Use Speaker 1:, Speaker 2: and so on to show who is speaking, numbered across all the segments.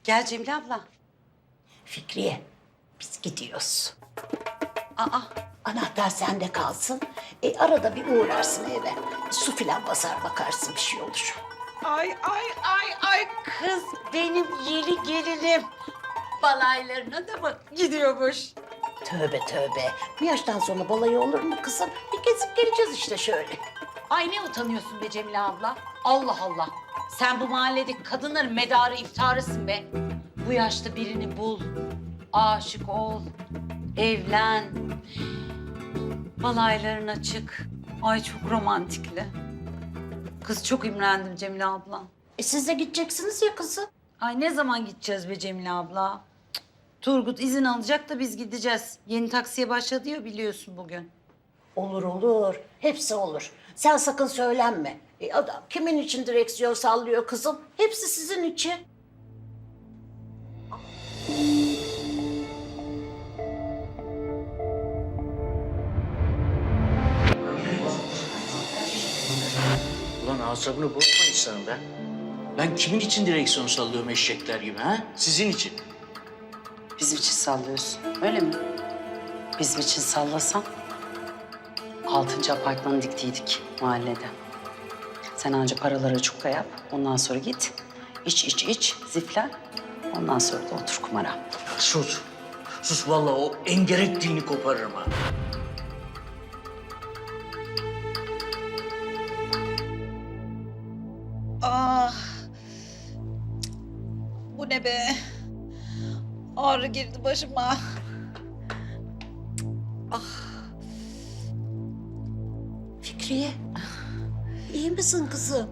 Speaker 1: Gel Cemile abla.
Speaker 2: Fikriye, biz gidiyoruz.
Speaker 1: Aa,
Speaker 2: Anahtar sende kalsın. Arada bir uğrarsın eve. Su filan basar bakarsın bir şey olur.
Speaker 1: ay kız benim yeni gelinim. Balaylarına da bak gidiyormuş.
Speaker 2: Tövbe tövbe. Bu yaştan sonra balayı olur mu kızım? Bir gezip geleceğiz işte şöyle.
Speaker 1: Ay ne utanıyorsun be Cemile abla? Allah Allah. Sen bu mahalledeki kadınların medarı iftarısın be. Bu yaşta birini bul, aşık ol, evlen. Balaylarına çık. Ay çok romantikli. Kız çok imrendim Cemile abla.
Speaker 2: Siz de gideceksiniz ya kızım.
Speaker 1: Ay ne zaman gideceğiz be Cemile abla? Cık, Turgut izin alacak da biz gideceğiz. Yeni taksiye başladı ya biliyorsun bugün.
Speaker 2: Olur olur. Hepsi olur. Sen sakın söylenme. Adam kimin için direksiyon sallıyor kızım? Hepsi sizin için.
Speaker 3: Ulan asabını bozma insanın be. Ben kimin için direksiyon sallıyorum eşekler gibi ha? Sizin için.
Speaker 1: Bizim için sallıyorsun, öyle mi? Bizim için sallasan 6. apartmanı diktiydik mahallede. Sen anca paralara çukka yap, ondan sonra git. İç, ziflen. Ondan sonra da otur kumara.
Speaker 3: Sus. Sus vallahi o engerek dini koparırım ha.
Speaker 4: Ah. Bu ne be? Ağrı girdi başıma.
Speaker 2: Fikriye. İyi misin kızım?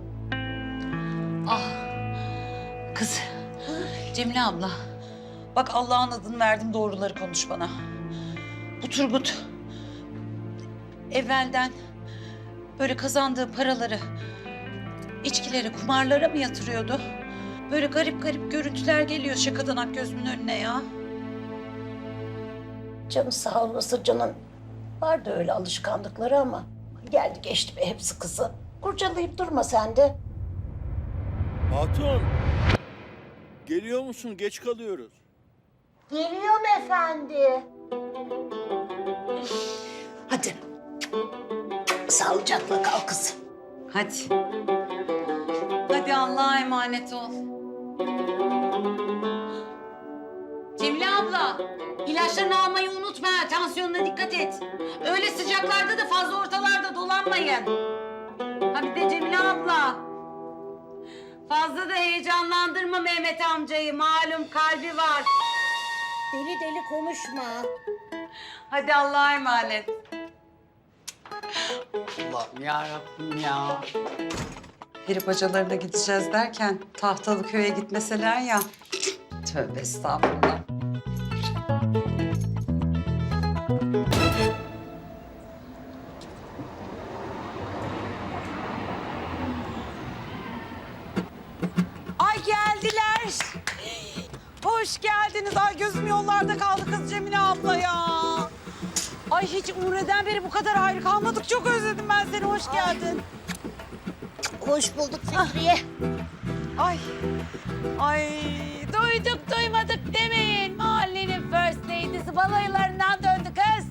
Speaker 1: Kız, Cemile abla.
Speaker 4: Bak Allah'ın adını verdim, doğruları konuş bana. Bu Turgut evvelden böyle kazandığı paraları içkilere, kumarlara mı yatırıyordu? Böyle garip garip görüntüler geliyor şakadan gözümün önüne ya.
Speaker 2: Canı sağ olasın canım. Vardı öyle alışkanlıkları ama geldi geçti be hepsi kızım. Kurcalayıp durma sen de.
Speaker 5: Hatun. Geliyor musun? Geç kalıyoruz.
Speaker 2: Geliyorum efendi. Hadi. Sağlıcakla kal kızım.
Speaker 1: Hadi. Hadi Allah'a emanet ol. Cemile abla, ilaçlarını almayı unutma. Tansiyonuna dikkat et. Öyle sıcaklarda da fazla ortalarda dolanmayın. Ha bir de Cemile abla. Fazla da heyecanlandırma Mehmet amcayı. Malum kalbi var.
Speaker 2: Deli deli konuşma.
Speaker 1: Hadi Allah'a emanet. Allah'ım yarabbim ya. Peri bacalarına gideceğiz derken Tahtalı Köy'e gitmeseler ya. Tövbe estağfurullah.
Speaker 4: Ay geldiler. Hoş geldiniz. Ay gözüm yollarda kaldı kız Cemile abla ya. Ay hiç Umre'den beri bu kadar ayrı kalmadık. Çok özledim ben seni. Hoş geldin.
Speaker 2: Hoş bulduk Fikriye.
Speaker 4: Ay. Ay duyduk duymadık demeyin. Mahallenin first lady'si balaylarından döndü kız.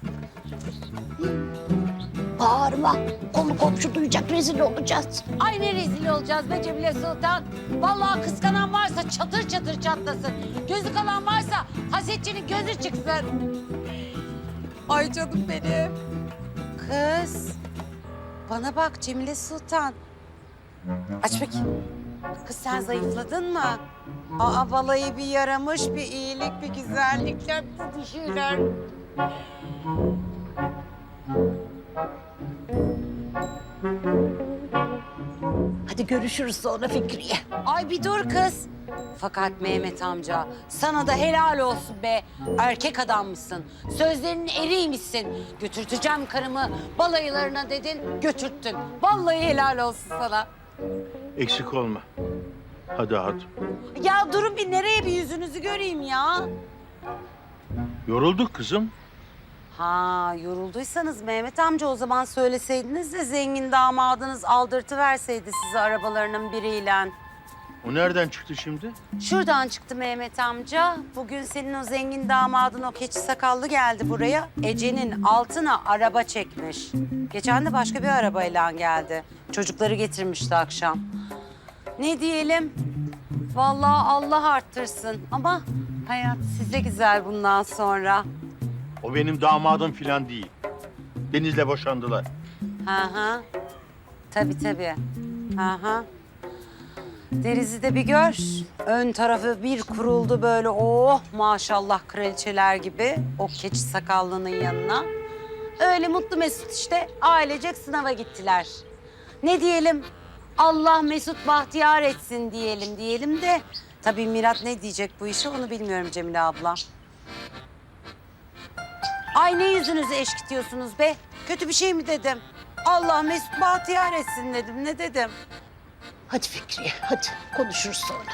Speaker 2: Bağırma. Konu komşu duyacak rezil olacağız.
Speaker 4: Ay ne rezil olacağız be Cemile Sultan. Vallahi kıskanan varsa çatır çatır çatlasın. Gözü kalan varsa hasetçinin gözü çıksın. Ay canım benim.
Speaker 1: Kız, bana bak Cemile Sultan. Aç bakayım. Kız sen zayıfladın mı? Aa balayı bir yaramış, bir iyilik, bir güzellikler, bir şeyler.
Speaker 2: Hadi görüşürüz sonra Fikriye.
Speaker 1: Ay bir dur kız. Fakat Mehmet amca sana da helal olsun be. Erkek adammışsın. Sözlerinin eriymişsin. Götürteceğim karımı balayılarına dedin, götürttün. Vallahi helal olsun sana.
Speaker 5: Eksik olma. Hadi Hatun.
Speaker 1: Ya durun bir nereye bir yüzünüzü göreyim ya.
Speaker 5: Yorulduk kızım.
Speaker 1: Ha yorulduysanız Mehmet amca o zaman söyleseydiniz de zengin damadınız aldırtıverseydi sizi arabalarının biriyle.
Speaker 5: O nereden çıktı şimdi?
Speaker 4: Şuradan çıktı Mehmet amca. Bugün senin o zengin damadın o keçi sakallı geldi buraya. Ece'nin altına araba çekmiş. Geçen de başka bir arabayla geldi. Çocukları getirmişti akşam. Ne diyelim? Vallahi Allah arttırsın. Ama hayat size güzel bundan sonra.
Speaker 5: O benim damadım falan değil. Deniz'le boşandılar.
Speaker 4: Hı hı. Tabii tabii. Hı hı. Deniz'i de bir gör. Ön tarafı bir kuruldu böyle oh maşallah kraliçeler gibi o keçi sakallının yanına. Öyle mutlu mesut işte ailecek sınava gittiler. Ne diyelim? Allah mesut bahtiyar etsin diyelim de. Tabii Mirat ne diyecek bu işe onu bilmiyorum Cemile abla. Ay ne yüzünüzü eşkitiyorsunuz be? Kötü bir şey mi dedim? Allah mesut bahtiyar etsin dedim. Ne dedim?
Speaker 2: Hadi Fikriye, hadi konuşuruz sonra.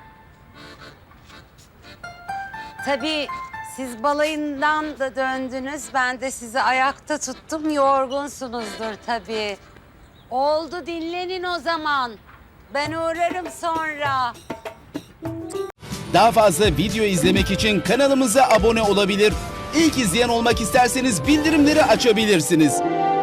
Speaker 4: Tabii siz balayından da döndünüz. Ben de sizi ayakta tuttum. Yorgunsunuzdur tabii. Oldu dinlenin o zaman. Ben uğrarım sonra.
Speaker 6: Daha fazla video izlemek için kanalımıza abone olabilir. İlk izleyen olmak isterseniz bildirimleri açabilirsiniz.